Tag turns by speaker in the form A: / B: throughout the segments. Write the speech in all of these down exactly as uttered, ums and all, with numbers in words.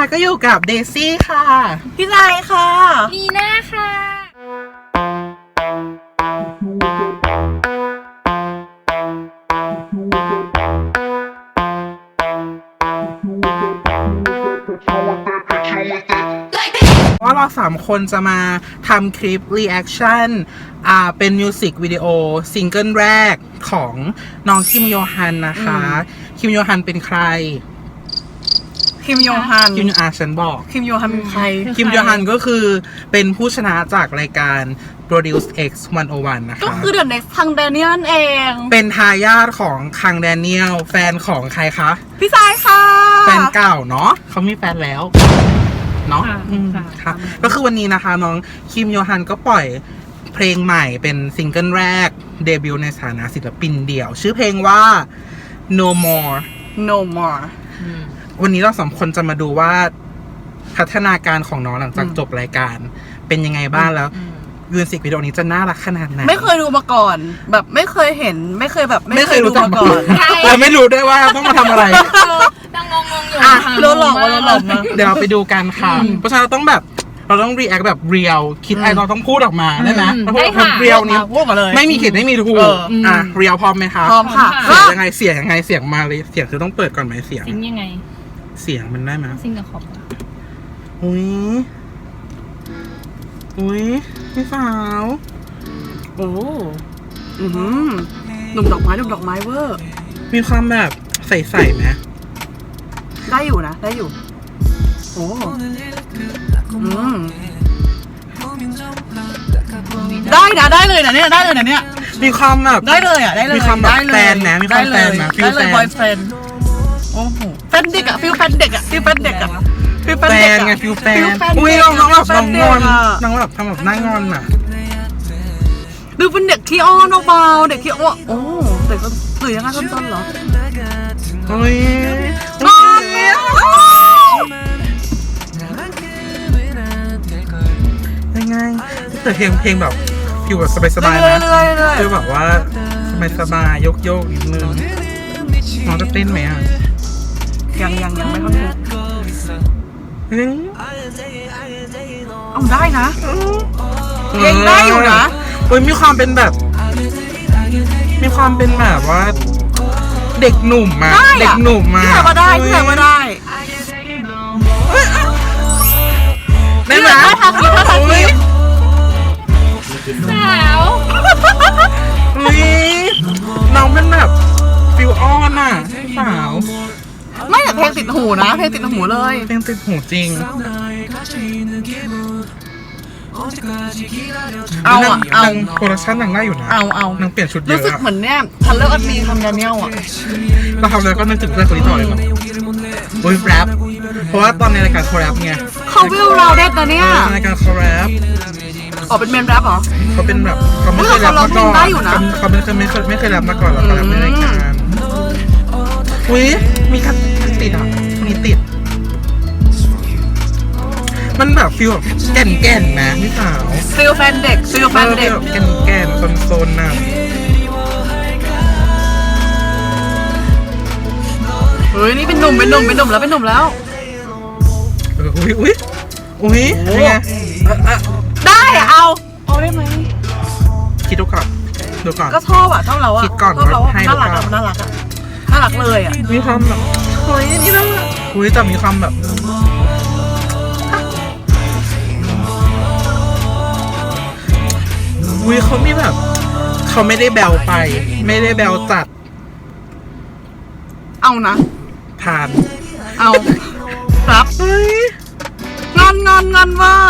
A: ก็อยู่กับเดซี่ค่ะพี่ไลค่ะ
B: นีน่าค่ะ
A: ว่าเราสามคนจะมาทำคลิป reaction อ่าเป็นมิวสิกวิดีโอซิงเกิลแรกของน้องคิมโยฮันนะคะคิมโยฮันเป็นใคร
C: คิมโยฮัน
A: คิมโยฮันฉันบอก
C: คิมโยฮันเป็นใคร
A: คิมโยฮันก็คือเป็นผู้ชนะจากรายการ Produce X หนึ่งศูนย์หนึ่งนะคะ
C: ก็คือเดอะเน็กซ์คังแดเนียลเอง
A: เป็นทายาทของคังแดเนียลแฟนของใครคะ
C: พี่สายค่ะ
A: แฟนเก่าเนาะเขามีแฟนแล้วเนาะค่ะก็คือวันนี้นะคะน้องคิมโยฮันก็ปล่อยเพลงใหม่เป็นซิงเกิลแรกเดบิวต์ในฐานะศิลปินเดี่ยวชื่อเพลงว่า No More
C: No More
A: วันนี้เราสองคนจะมาดูว่าพัฒนาการของน้องหลังจากจบรายการเป็นยังไงบ้างแล้วมิวสิกวิดีโอนี้จะน่ารักขนาดไหน
C: ไม่เคยดูมาก่อนแบบไม่เคยเห็นไม่เคยแบบ
A: ไม่เคยรู้มาก่อนเราไม่รู้ด้วยว่าต้องมาทำอะไร
B: ดังงงงอยู่
C: อ่ะโดนหลอกโดนหลอกมา
A: เดี๋ยวเราไปดูกันค่ะเพราะฉะนั้นเราต้องแบบเราต้องรีแอคแบบเรียลคิดไอเราต้องพูดออกมาได้ไหมเพราะว่าเรียลนี้
C: พูดมาเลย
A: ไม่มีผิดไม่มีถูกอ่ะเรียลพร้อมไหมคะ
C: พร้อมค่ะ
A: เสียงยังไงเสียงยังไงเสียงมาเลยเสียงคือต้องเปิดก่อนไหมเสียง
B: ซิงยังไง
A: เสียงมันได้ไหม
B: ซิงกับขอบ
A: อุ้ยอุ้ยพี่สาว
C: โอ้อืมหนุ่มดอกไม้หนุ่มดอกไม้เวอร์
A: มีความแบบใสๆไหม
C: ได้อยู่นะได้อยู่โอ้อืมได้นะได้เลยนะเนี่ยได้เลยนะเนี่ย
A: มีความแบบ
C: ได้เลยอ่ะได้เลย
A: มีความแบบแฟนนะมีความแฟนนะ
C: ฟิลแฟนบอยแฟนโอ้โหแฟนเด็กอ่ะฟิลแฟนเด็กอ่ะฟิลแฟนเด็กอ่ะฟิลแฟนเด็ก
A: ไงฟิลแฟนอุ้ยน้องน้องแบบน้องงอนน้องแบบทำแบบหน้างอนอ่ะ
C: ดูเป็นเด็กที่อ้อนเบาๆเด็กที่อ้อนโอ้เด็กก็หรือยังไงต้นๆเหรอ
A: โอ้ย
C: งอนเนี่ย
A: ยังไงแต่เพลงเพลงแบบฟิลแบบสบายๆนะฟิลแบบว่าสบายๆยกโยกนิดนึงน้องจะเต้นไหมอ่ะ
C: ยังยังยังไม่ค่อยรู้เอาได้นะเองได้อยู่นะ
A: เฮ้ยมีความเป็นแบบมีความเป็นแบบว่าเด็กหนุ่มมาเด็กหนุ่มมา
C: ที่ไหนว่าได้ที่ไหนว่าได้
A: ได้ไหม
C: ทักทีทักที
B: สาว
A: อุ้ยน้องเป็นแบบฟิลออนอ่ะสาว
C: ไม่แต่เพลงติดหูนะเพลงติดหูเลย
A: เพลงติดหูจริง
C: เอาอ่ะเอา
A: โปรดักชั่นนางได้อยู่นะ
C: เอาเอา
A: นางเปลี่ยนชุดเยอะ
C: รู้สึกเหมือนเนี่ยทันเลอร์อัดมีทำแดเนียลอ่ะ
A: เราทำแล้วก็นึกถึงเรื่องคนนี้ต่อเลยแบบโอ้ยแรปเพราะว่าตอนในรายการคอแรปไง
C: เขาวิวเราเด็ดนะเนี่ย
A: ในรายการคอแรป
C: อ๋อเป็นเมนแรปเหรอ
A: เขาเป็นแบบเขาไม่เคยแรปมาก่อนเขาไม่เคยไม่เคยไม่เคยแรปมาก่อนแล้วเขาแรปในรายการอุ้ยมีคัดติดอ่ะมีติดมันแบบฟิลแบบแก่นแก่นนะพี่สาว
C: ฟิลแฟนเด็กฟิลแฟนเด็ก
A: แก่นแก่นโซนโซนน่ะ
C: เฮ้ยนี่เป็นหนุ่มเป็นหนุ่มเป็นหนุ่มแล้วเป็นหนุ่มแล้ว
A: อุ้ยอุ้ยอุ้ย
C: ได้เอาเอาได้ไหม
A: คิดดูก่อนดูก่อน
C: ก็ชอบอ่ะชอบเราอ่ะ
A: คิดก่อน
C: ชอบเราน่ารักอ่ะน่ารักอ่ะน่ารักเลยอ่ะ
A: มีความแบบเฮ้ยนี่น่ารักอุ้ยแต่มีความแบบอุ้ยเขามีแบบเขาไม่ได้แบลไปไม่ได้แบลจัด
C: เอานะ
A: ผ่าน
C: เอาครับ
A: เฮ้ย
C: งอนงอนงอนว่า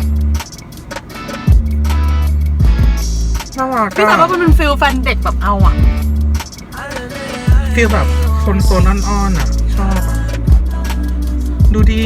A: น่ารัก
C: พี่แต่ว่ามันเป็นฟิลแฟนเด็กแบบเอาอ่ะ
A: ฟิลแบบคนโซนอ่อนๆอ่ะชอบอ่ะดูดิ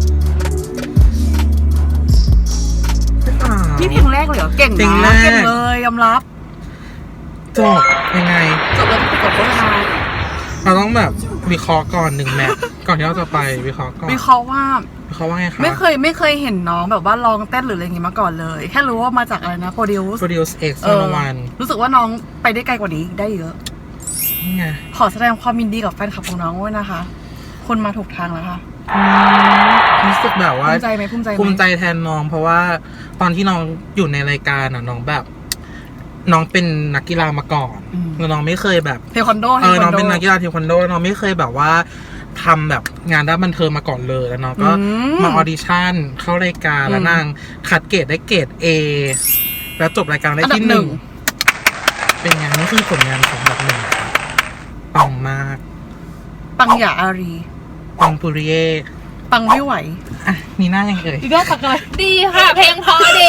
C: นี่เพลงแรกเลยเหรอเก่งนะเก่งเลยยอมรับ
A: จบยังไง
C: จบแล้วไปกดโค้ดทาย
A: เราต้องแบบวิเคราะห์ก่อนหนึ่งแมทก่อนที่เราจะไปวิเคราะห์ก่อน
C: วิเคราะห์ว่า
A: วิเคราะห์ว่าไงคะ
C: ไม่เคยไม่เคยเห็นน้องแบบว่าลองเต้นหรืออะไรอย่างงี้มาก่อนเลยแค่รู้ว่ามาจากอะไรนะ Produce
A: Produce X หนึ่งศูนย์หนึ่ง
C: รู้สึกว่าน้องไปได้ไกลกว่านี้ได้เยอะ
A: นี่ไง
C: ขอแสดงความยินดีกับแฟนคลับของน้องด้วยนะคะคนมาถูกทางแล้วค่ะ
A: รู้สึกแบบว่า
C: ภูมิใจไหมภูมิใจไหม
A: ภูมิใจแทนน้องเพราะว่าตอนที่น้องอยู่ในรายการอ่ะน้องแบบ น้องเป็นนักกีฬามาก่อนแล้วน้องไม่เคยแบบ
C: เทควันโด
A: เออน้องเป็นนักกีฬาเทควันโดแล้วน้องไม่เคยแบบว่าทำแบบงานด้านบันเทิงมาก่อนเลยแล้วน้องก็มาออดิชั่นเข้ารายการแล้วนางคัดเกรดได้เกรด A แล้วจบรายการได้ที่หนึ่งเป็นไงนี่คือผลงานของแบบหนึ่งปังมาก
C: ปังหยาอารี
A: ปังปุริเย่
C: ปังไม่ไหว
A: อ่ะนีน่ายังเอ่ย
C: อีกแล้วตักอะไร
B: ดีค่ะ เพลงเพราะดี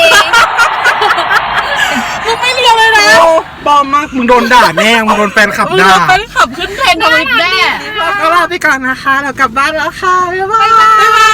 C: มึงไม่เรียวเลยนะ
A: โอ้ปลอมมากมึงโดนด่าแน่มึงโดนแฟนขับ
C: มึง
A: ด่า
C: จะไปขับขึ้นเทรนด์ทวิตแน่
A: ก็ลาไปก่อนนะคะเรากลับบ้านแล้วค่ะบ๊ายบาย
C: บ๊ายบาย